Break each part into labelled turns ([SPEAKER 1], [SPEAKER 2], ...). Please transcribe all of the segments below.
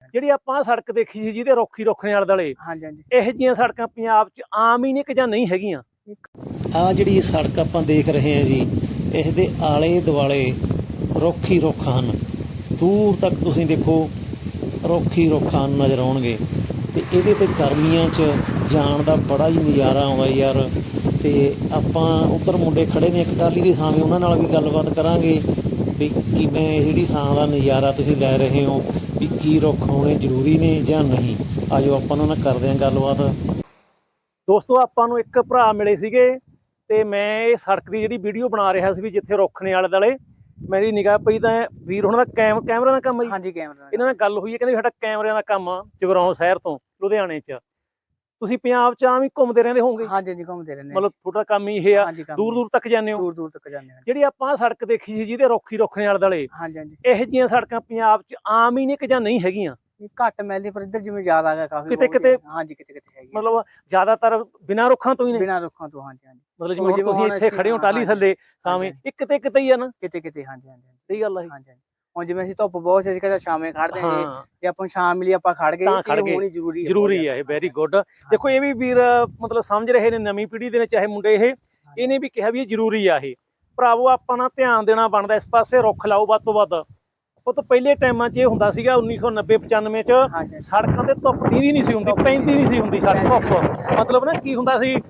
[SPEAKER 1] ਜਿਹੜੀ ਆਪਾਂ ਸੜਕ ਦੇਖੀ ਸੀ ਜਿਹਦੇ ਰੁੱਖ ਹੀ ਰੁੱਖ ਨੇ ਆਲੇ ਦੁਆਲੇ,
[SPEAKER 2] ਹਾਂਜੀ ਹਾਂਜੀ
[SPEAKER 1] ਇਹੋ ਜਿਹੀਆਂ ਸੜਕਾਂ ਪੰਜਾਬ 'ਚ ਆਮ ਹੀ ਨੇ ਕਿ ਜਾਂ ਨਹੀਂ ਹੈਗੀਆਂ? ਆ ਜਿਹੜੀ ਸੜਕ ਆਪਾਂ ਦੇਖ ਰਹੇ ਹਾਂ ਜੀ, ਇਸ ਦੇ ਆਲੇ ਦੁਆਲੇ ਰੁੱਖ ਹੀ ਰੁੱਖ ਹਨ। ਦੂਰ ਤੱਕ ਤੁਸੀਂ ਦੇਖੋ ਰੁੱਖ ਹੀ ਰੁੱਖ ਹਨ ਨਜ਼ਰ ਆਉਣਗੇ, ਅਤੇ ਇਹਦੇ 'ਤੇ ਗਰਮੀਆਂ 'ਚ ਜਾਣ ਦਾ ਬੜਾ ਹੀ ਨਜ਼ਾਰਾ ਆਉਂਦਾ ਯਾਰ। ਅਤੇ ਆਪਾਂ ਉੱਧਰ ਮੁੰਡੇ ਖੜ੍ਹੇ ਨੇ ਇੱਕ ਟਾਹਲੀ ਦੀ ਥਾਂ 'ਤੇ, ਉਹਨਾਂ ਨਾਲ ਵੀ ਗੱਲਬਾਤ ਕਰਾਂਗੇ ਵੀ ਕਿਵੇਂ ਜਿਹੜੀ ਥਾਂ ਦਾ ਨਜ਼ਾਰਾ ਤੁਸੀਂ ਲੈ ਰਹੇ ਹੋ, ਵੀ ਕੀ ਰੁੱਖ ਹੋਣੇ ਜ਼ਰੂਰੀ ਨੇ ਜਾਂ ਨਹੀਂ। ਆ ਜਾਓ ਆਪਾਂ ਉਹਨਾਂ ਨਾਲ ਕਰਦੇ ਹਾਂ ਗੱਲਬਾਤ। ਦੋਸਤੋ, ਆਪਾਂ ਨੂੰ ਇੱਕ ਭਰਾ ਮਿਲੇ ਸੀਗੇ ਤੇ ਮੈਂ ਇਹ ਸੜਕ ਦੀ ਜਿਹੜੀ ਵੀਡੀਓ ਬਣਾ ਰਿਹਾ ਸੀ ਵੀ ਜਿੱਥੇ ਰੁੱਖ ਨੇ ਆਲੇ ਦੁਆਲੇ, ਮੇਰੀ ਨਿਗਾਹ ਪਈ ਤਾਂ ਵੀਰ ਉਹਨਾਂ ਦਾ ਕੈਮਰਾ ਦਾ ਕੰਮ ਹੈ ਜੀ।
[SPEAKER 2] ਹਾਂਜੀ ਕੈਮਰਾ
[SPEAKER 1] ਇਹਨਾਂ ਨਾਲ ਗੱਲ ਹੋਈ ਹੈ, ਕਹਿੰਦੇ ਸਾਡਾ ਕੈਮਰਿਆਂ ਦਾ ਕੰਮ ਆ ਜਗਰਾਉਂ ਸ਼ਹਿਰ ਤੋਂ ਲੁਧਿਆਣੇ 'ਚ। ਤੁਸੀਂ ਪੰਜਾਬ 'ਚ ਆਮ ਹੀ ਘੁੰਮਦੇ ਰਹਿੰਦੇ ਹੋਵੋਗੇ?
[SPEAKER 2] ਹਾਂਜੀ ਹਾਂਜੀ ਘੁੰਮਦੇ ਰਹਿੰਦੇ
[SPEAKER 1] ਮਤਲਬ ਤੁਹਾਡਾ ਕੰਮ ਹੀ ਇਹ ਆ, ਦੂਰ ਦੂਰ ਤੱਕ ਜਾਂਦੇ ਹੋ?
[SPEAKER 2] ਦੂਰ ਦੂਰ ਤੱਕ ਜਾਂਦੇ ਹਾਂ।
[SPEAKER 1] ਜਿਹੜੀ ਆਪਾਂ ਸੜਕ ਦੇਖੀ ਸੀ ਜਿਹਦੇ ਰੁੱਖ ਹੀ ਰੁੱਖ ਨੇ ਆਲੇ ਦੁਆਲੇ,
[SPEAKER 2] ਹਾਂਜੀ ਹਾਂਜੀ
[SPEAKER 1] ਇਹੋ ਜਿਹੀਆਂ ਸੜਕਾਂ ਪੰਜਾਬ 'ਚ ਆਮ ਹੀ ਨੇ ਕਿ ਜਾਂ ਨਹੀਂ ਹੈਗੀਆਂ?
[SPEAKER 2] ਘੱਟ ਮਿਲਦੀ, ਪਰ ਇੱਧਰ ਜਿਵੇਂ ਜ਼ਿਆਦਾ ਹੈਗਾ ਕਾਫੀ
[SPEAKER 1] ਕਿਤੇ ਕਿਤੇ,
[SPEAKER 2] ਹਾਂਜੀ ਕਿਤੇ ਕਿਤੇ ਹੈਗੀ,
[SPEAKER 1] ਮਤਲਬ ਜ਼ਿਆਦਾਤਰ ਬਿਨਾਂ ਰੁੱਖਾਂ ਤੋਂ ਹੀ ਨੇ?
[SPEAKER 2] ਬਿਨਾਂ ਰੁੱਖਾਂ ਤੋਂ, ਹਾਂਜੀ ਹਾਂਜੀ।
[SPEAKER 1] ਮਤਲਬ ਜਿਵੇਂ ਹੁਣ ਤੁਸੀਂ ਇੱਥੇ ਖੜੇ ਹੋ ਟਾਹਲੀ ਥੱਲੇ ਸਾਵੇਂ, ਇੱਕ ਕਿਤੇ ਕਿਤੇ ਹੀ ਆ ਨਾ?
[SPEAKER 2] ਕਿਤੇ ਕਿਤੇ, ਹਾਂਜੀ ਹਾਂਜੀ
[SPEAKER 1] ਸਹੀ ਗੱਲ ਆ ਜੀ।
[SPEAKER 2] ਹਾਂਜੀ ਹੁਣ ਜਿਵੇਂ ਅਸੀਂ ਧੁੱਪ ਬਹੁਤ ਸੀ, ਅਸੀਂ ਕਹਿੰਦੇ ਸ਼ਾਮੇ ਖੜਦੇ ਹਾਂ, ਜੇ ਆਪਾਂ ਸ਼ਾਮ ਮਿਲੀ ਆਪਾਂ ਖੜ ਗਏ,
[SPEAKER 1] ਤਾਂ ਖੜ
[SPEAKER 2] ਇਹ
[SPEAKER 1] ਗਏ,
[SPEAKER 2] ਹੋਣੀ
[SPEAKER 1] ਜ਼ਰੂਰੀ ਹੈ ਇਹ। Very good. ਦੇਖੋ ਇਹ ਵੀ ਵੀਰ ਮਤਲਬ ਸਮਝ ਰਹੇ ਨੇ, ਨਵੀਂ ਪੀੜ੍ਹੀ ਦੇ ਨੇ ਚਾਹੇ ਮੁੰਡੇ, ਇਹਨੇ ਵੀ ਕਿਹਾ ਵੀ ਇਹ ਜ਼ਰੂਰੀ ਆ। ਇਹ ਭਰਾਵੋ ਆਪਾਂ ਨਾਲ ਧਿਆਨ ਦੇਣਾ ਬਣਦਾ ਇਸ ਪਾਸੇ, ਰੁੱਖ ਲਾਓ ਵੱਧ ਤੋਂ ਵੱਧ। ਉਹ ਤਾਂ ਪਹਿਲੇ ਟਾਈਮਾਂ 'ਚ ਇਹ ਹੁੰਦਾ ਸੀਗਾ 1990-95 'ਚ ਸੜਕਾਂ ਤੇ ਧੁੱਪ ਦੀਦੀ ਨਹੀਂ ਸੀ ਹੁੰਦੀ, ਪੈਂਦੀ ਨਹੀਂ ਸੀ ਹੁੰਦੀ ਸੜਕ ਧੁੱਪ। ਮਤਲਬ ਨਾ ਕੀ ਹੁੰਦਾ ਸੀ,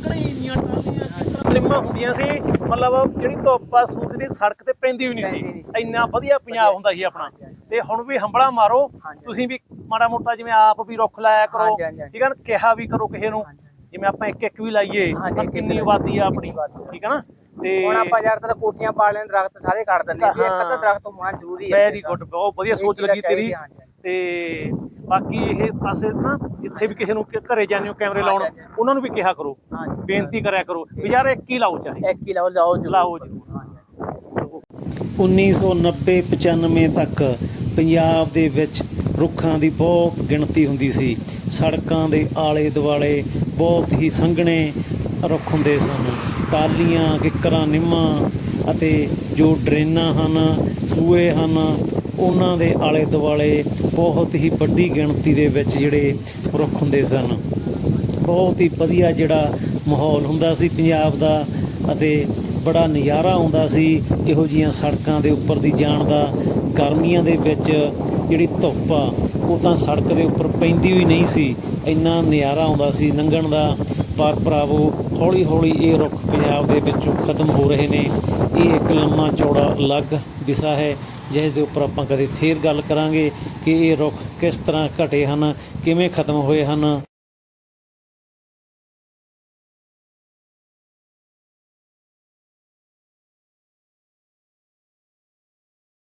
[SPEAKER 1] ਲਿੰਮਾਂ ਹੁੰਦੀਆਂ ਸੀ, ਮਤਲਬ ਜਿਹੜੀ ਧੁੱਪ ਆ ਸੂਰਜ ਦੀ ਸੜਕ ਤੇ ਪੈਂਦੀ ਵੀ ਨਹੀਂ ਸੀ। ਇੰਨਾ ਵਧੀਆ ਪੰਜਾਬ ਹੁੰਦਾ ਸੀ ਆਪਣਾ। ਤੇ ਹੁਣ ਵੀ ਹੰਬੜਾ ਮਾਰੋ ਤੁਸੀਂ ਵੀ ਮਾੜਾ ਮੋਟਾ, ਜਿਵੇਂ ਆਪ ਵੀ ਰੁੱਖ ਲਾਇਆ ਕਰੋ, ਠੀਕ ਹੈ ਨਾ, ਕਿਹਾ ਵੀ ਕਰੋ ਕਿਸੇ ਨੂੰ, ਜਿਵੇਂ ਆਪਾਂ ਇੱਕ ਇੱਕ ਵੀ ਲਾਈਏ, ਕਿੰਨੀ ਆਬਾਦੀ ਆ ਆਪਣੀ, ਠੀਕ ਹੈ ਨਾ। ਤੇ
[SPEAKER 2] ਹੁਣ ਆਪਾਂ ਜ਼ਿਆਦਾਤਰ ਕੋਠੀਆਂ ਪਾ ਲੈਣ, ਦਰਖਤ ਸਾਰੇ ਕੱਟ ਦਿੰਦੇ ਆ, ਇੱਕ ਅੱਧਾ ਦਰਖਤ ਹੋਣਾ ਜ਼ਰੂਰੀ ਹੈ।
[SPEAKER 1] ਵੈਰੀ ਗੁੱਡ, ਬਹੁਤ ਵਧੀਆ ਸੋਚ ਲੱਗੀ ਤੇਰੀ। ਤੇ ਬਾਕੀ ਇਹ ਪਾਸੇ ਨਾ ਜਿੱਥੇ ਵੀ ਕਿਸੇ ਨੂੰ ਘਰੇ ਜਾਂਦੇ ਹੋ ਕੈਮਰੇ ਲਾਉਣ, ਉਹਨਾਂ ਨੂੰ ਵੀ ਕਿਹਾ ਕਰੋ, ਬੇਨਤੀ ਕਰਿਆ ਕਰੋ ਵੀ ਯਾਰ ਇੱਕ ਹੀ ਲਾਓ, ਚਾਹੇ
[SPEAKER 2] ਇੱਕ ਹੀ ਲਾਓ, ਲਾਓ
[SPEAKER 1] ਜ਼ਰੂਰ। 1990-95 ਤੱਕ ਪੰਜਾਬ ਦੇ ਵਿੱਚ ਰੁੱਖਾਂ ਦੀ ਬਹੁਤ ਗਿਣਤੀ ਹੁੰਦੀ ਸੀ। ਸੜਕਾਂ ਦੇ ਆਲੇ ਦੁਆਲੇ ਬਹੁਤ ਹੀ ਸੰਘਣੇ ਰੁੱਖ ਹੁੰਦੇ ਸਨ। ਟਾਹਲੀਆਂ, ਕਿੱਕਰਾਂ, ਨਿੰਮਾਂ ਅਤੇ ਜੋ ਡਰੇਨਾਂ ਹਨ, ਸੂਏ ਹਨ, ਉਹਨਾਂ ਦੇ ਆਲੇ ਦੁਆਲੇ ਬਹੁਤ ਹੀ ਵੱਡੀ ਗਿਣਤੀ ਦੇ ਵਿੱਚ ਜਿਹੜੇ ਰੁੱਖ ਹੁੰਦੇ ਸਨ। ਬਹੁਤ ਹੀ ਵਧੀਆ ਜਿਹੜਾ ਮਾਹੌਲ ਹੁੰਦਾ ਸੀ ਪੰਜਾਬ ਦਾ, ਅਤੇ ਬੜਾ ਨਜ਼ਾਰਾ ਆਉਂਦਾ ਸੀ ਇਹੋ ਜਿਹੀਆਂ ਸੜਕਾਂ ਦੇ ਉੱਪਰ ਦੀ ਜਾਣ ਦਾ। ਗਰਮੀਆਂ ਦੇ ਵਿੱਚ ਜਿਹੜੀ ਧੁੱਪ ਆ ਉਹ ਤਾਂ ਸੜਕ ਦੇ ਉੱਪਰ ਪੈਂਦੀ ਵੀ ਨਹੀਂ ਸੀ, ਇੰਨਾ ਨਜ਼ਾਰਾ ਆਉਂਦਾ ਸੀ ਲੰਘਣ ਦਾ। ਪਰ ਭਰਾਵੋ ਹੌਲੀ ਹੌਲੀ ਇਹ ਰੁੱਖ ਪੰਜਾਬ ਦੇ ਵਿੱਚੋਂ ਖਤਮ ਹੋ ਰਹੇ ਨੇ। ਇਹ ਇੱਕ ਲੰਮਾ ਚੌੜਾ ਅਲੱਗ ਵਿਸ਼ਾ ਹੈ, ਜਿਸ ਦੇ ਉੱਪਰ ਆਪਾਂ ਕਦੇ ਫੇਰ ਗੱਲ ਕਰਾਂਗੇ ਕਿ ਇਹ ਰੁੱਖ ਕਿਸ ਤਰ੍ਹਾਂ ਘਟੇ ਹਨ, ਕਿਵੇਂ ਖਤਮ ਹੋਏ ਹਨ।